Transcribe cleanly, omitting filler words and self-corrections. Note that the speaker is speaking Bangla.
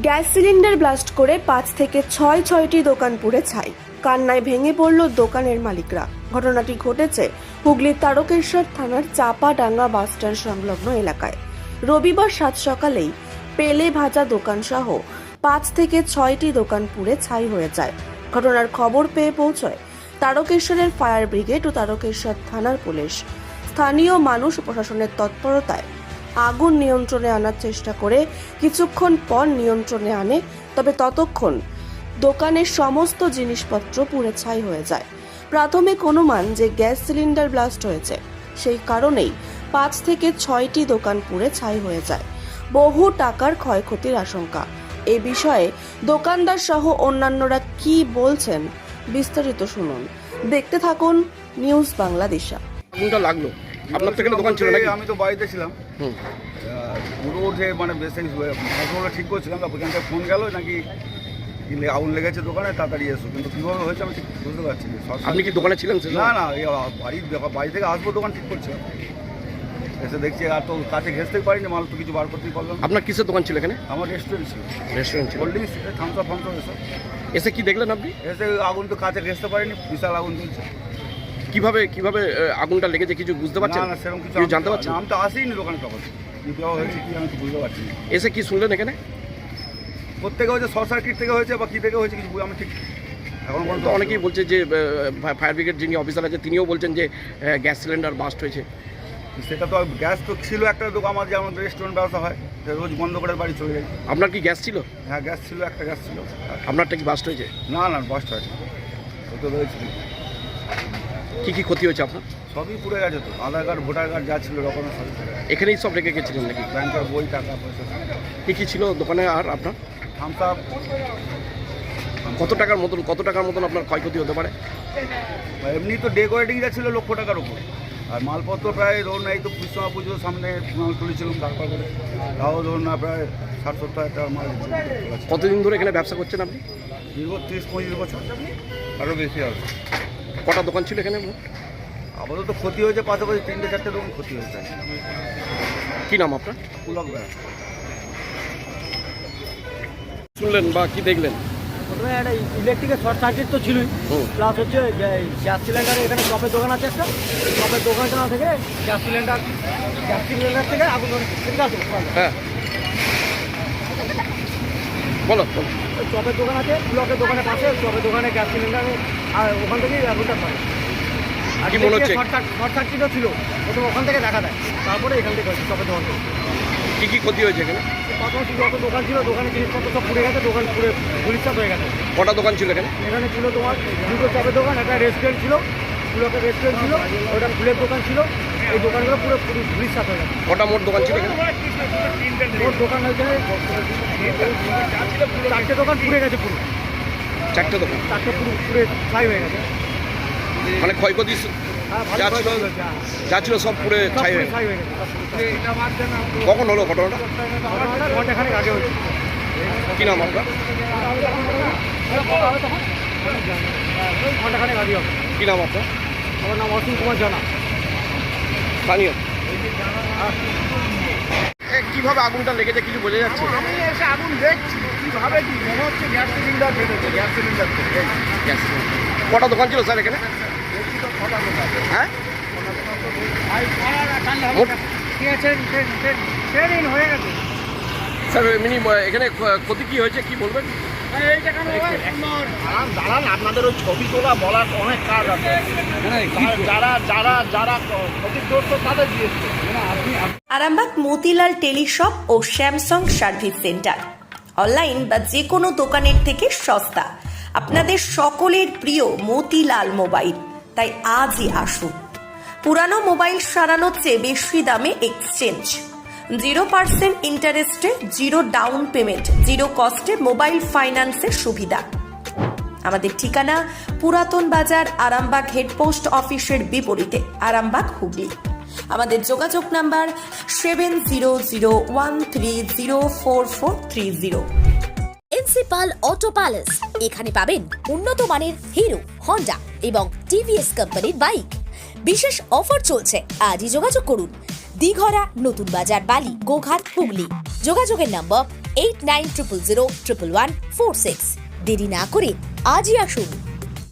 গ্যাস সিলিন্ডার ব্লাস্ট করে 5 থেকে 6টি দোকান পুড়ে ছাই। কান্নায় ভেঙে পড়ল দোকানের মালিকরা। ঘটনাটি ঘটেছে হুগলির তারকেশ্বর থানার চাপাডাঙ্গা বাসস্ট্যান্ড সংলগ্ন এলাকায়। রবিবার সাত সকালেই পেলে ভাজা দোকান সহ 5 থেকে 6টি দোকান পুড়ে ছাই হয়ে যায়। ঘটনার খবর পেয়ে পৌঁছয় তারকেশ্বরের ফায়ার ব্রিগেড ও তারকেশ্বর থানার পুলিশ। স্থানীয় মানুষ ও প্রশাসনের তৎপরতায় আগুন নিয়ন্ত্রণে আনার চেষ্টা করে কিছুক্ষণ পর নিয়ন্ত্রণে আনে, তবে ততক্ষণ দোকানের সমস্ত জিনিসপত্র পুড়ে ছাই হয়ে যায়। প্রাথমিক অনুমান যে গ্যাস সিলিন্ডার ব্লাস্ট হয়েছে, সেই কারণেই 5 থেকে 6টি দোকান পুড়ে ছাই হয়ে যায়। বহু টাকার ক্ষয়ক্ষতির আশঙ্কা। এ বিষয়ে দোকানদার সহ অন্যান্যরা কি বলছেন বিস্তারিত শুনুন। দেখতে থাকুন নিউজ বাংলাদেশা। আগুনটা লাগলো আপনার থেকে দোকান ছিল নাকি? আমি তো বাড়িতে ছিলাম। পুরো উঠে মানে বেশ মাছগুলো ঠিক করছিলাম, ওখান থেকে ফোন গেল নাকি আগুন লেগেছে দোকানে, তাড়াতাড়ি এসো। কিন্তু কীভাবে হয়েছে আমি ঠিক বুঝতে পারছি না। আপনি কি দোকানে ছিলেন? না না, এই বাড়ি থেকে আসবো, দোকান ঠিক করছে, এসে দেখছি আর তো কাছে ঘেঁচতেই পারিনি, মাল তো কিছু বার করতেই পারলাম। আপনার কিসের দোকান ছিল এখানে? আমার রেস্টুরেন্ট ছিল, রেস্টুরেন্ট ছিল। কোল্ড ড্রিঙ্কস, থামস আপ এসব। এসে কি দেখলেন আপনি? এসে আগুন তো কাছে ঘেঁচতে পারিনি, বিশাল আগুন চলছে। কিভাবে আগুনটা লেগেছে কিছু বুঝতে পারছেন? না না, সেরকম কিছু জানতে পারছেন? আমি তো আসিনি দোকানে তখন, কীভাবে হয়েছে কি আমি তো বুঝতে পারছি না। এসে কি শুনলেন এখানে? কোথেকে হয়েছে, শর্ট সার্কিট থেকে হয়েছে বা কী থেকে হয়েছে কিছু আমি ঠিক এখন তো অনেকেই বলছে যে ফায়ার ব্রিগেড যিনি অফিসার আছে তিনিও বলছেন যে গ্যাস সিলিন্ডার বাস্ট হয়েছে। সেটা তো গ্যাস তো ছিল একটা দোকান, আমার যে আমাদের রেস্টুরেন্ট ব্যবসা হয়, রোজ বন্ধ করে বাড়ি চলে যাই। আপনার কি গ্যাস ছিল? হ্যাঁ গ্যাস ছিল, একটা গ্যাস ছিল। আপনারটা কি বাস্ট হয়েছে? না না, বাস্ট হয়নি, ও তো রয়েছে। কি ক্ষতি হয়েছে আপনার? সবই পুড়ে গেছে তো, আধার কার্ড ভোটার কার্ড যা ছিল রকমের সবই পুড়ে গেছে। এখানেই সব রেখে গেছিলেন নাকি? ব্যাংকের বই, টাকা পয়সা। কি ছিল দোকানে আর আপনার? Thums Up. কত টাকার মতন আপনার ক্ষয়ক্ষতি হতে পারে? এমনি তো ডেকোরেটিং যা ছিল লক্ষ টাকার উপর, আর মালপত্র প্রায় ধরুন এই তো বিশ্বমা পুজোর সামনে মাল তুলেছিলাম, তারপর করে তাও ধরুন না প্রায় 60-70 টাকার মাল। কতদিন ধরে এখানে ব্যবসা করছেন আপনি? দীর্ঘ 30-35 বছর, আরও বেশি হবে। কটা দোকান ছিল এখানে? আপাতত ক্ষতি হয়েছে পাশাপাশি 3-4টে দোকান ক্ষতি হয়েছে। কি নাম আপনার? পুলক ভাই। শুনলেন বা কি দেখলেন? প্রথমে একটা ইলেকট্রিকের শর্ট সার্কিট তো ছিলই, প্লাস হচ্ছে গ্যাস সিলিন্ডার, এখানে চপের দোকান আছে একটা, চপের দোকানটা থেকে গ্যাস সিলিন্ডার থেকে আগুন ধরে। ঠিক আছে, হ্যাঁ বলো। ওই চপের দোকান আছে, ব্লকের দোকানের পাশে চপের দোকানে গ্যাস সিলিন্ডার, আর ওখান থেকেই আগুনটা করে। আর কি মনে হচ্ছে? শর্ট সার্কিটও ছিল, প্রথমে ওখান থেকে দেখা দেয়, তারপরে এখান থেকে হয়েছে চপের দোকান থেকে। কি ক্ষতি হয়েছে এখানে? পাশাপাশি যত দোকান ছিল, দোকানে জিনিসপত্র সব পুড়ে গেছে, দোকান পুরো গুলিচাপ হয়ে গেছে। কটা দোকান ছিল এখানে? এখানে ছিল তোমার দুটো চপের দোকান, একটা রেস্টুরেন্ট ছিল, ব্লকের রেস্টুরেন্ট ছিল, ওটা ফুলের দোকান ছিল। এই দোকানগুলো পুরো গুলিচাপ হয়ে গেছে। কটা মোট দোকান ছিল এখানে? ওর দোকান হয়েছে 4টে দোকান পুড়ে গেছে, পুরো 4টে দোকান, 4টে পুরো পুড়ে ছাই হয়ে গেছে। মানে ক্ষয়ক্ষতি হ্যাঁ, ভালো যা ছিল ক্ষয়ক্ষতি হয়েছে, হ্যাঁ। যা ছিল সব পুরে সব ছাই পুরো হয়ে গেছে। ছাই হয়ে গেছে। কখন হলো ঘটনাটা? ঘন্টাখানেক আগে হয়েছে। কি নাম আপনার? ঘন্টাখানেক আগে হবে। কি নাম আপনার? আমার নাম অসীম কুমার জানা। স্থানীয়। কিভাবে আগুনটা লেগেছে কিছু বোঝা যাচ্ছে? আমি এসে আগুন দেখছি, কীভাবে কি মনে হচ্ছে গ্যাস সিলিন্ডার ফেটেছে, গ্যাস সিলিন্ডার থেকে। গ্যাস কটা দোকান ছিল স্যার এখানে? দেখছি তো ছটা দোকান। হ্যাঁ হয়ে গেছে। স্যার এমনি এখানে ক্ষতি কি হয়েছে কি বলবেন? দাঁড়ান, আপনাদের ওই ছবি তোলা বলার অনেক কাজ আছে, যারা ক্ষতিগ্রস্ত তাদের দিয়েছে। আরামবাগ মতিলাল টেলিশপ ও স্যামসাং সার্ভিস সেন্টার, অনলাইন বা যে কোনো দোকানের থেকে সস্তা। আপনাদের সকলের প্রিয় মতিলাল মোবাইল, তাই আজই আসুন। পুরানো মোবাইল সারানোর চেয়ে বেশি দামে এক্সচেঞ্জ, 0% ইন্টারেস্টে, 0 ডাউন পেমেন্ট, 0 কস্টে মোবাইল ফাইন্যান্সের সুবিধা। আমাদের ঠিকানা পুরাতন বাজার, আরামবাগ হেডপোস্ট অফিসের বিপরীতে, আরামবাগ, হুগলি। আমাদের যোগাযোগ নাম্বার 7001304430। প্রিন্সিপাল অটো প্যালেস, এখানে পাবেন উন্নত মানের হিরো, হন্ডা এবং টিভিএস কোম্পানির বাইক। বিশেষ অফার চলছে, আজই যোগাযোগ করুন। দিঘরা, নতুন বাজার, বালি, গোঘাট, হুগলি। যোগাযোগের নম্বর 8900011146। দেরি না করে আজই আসুন।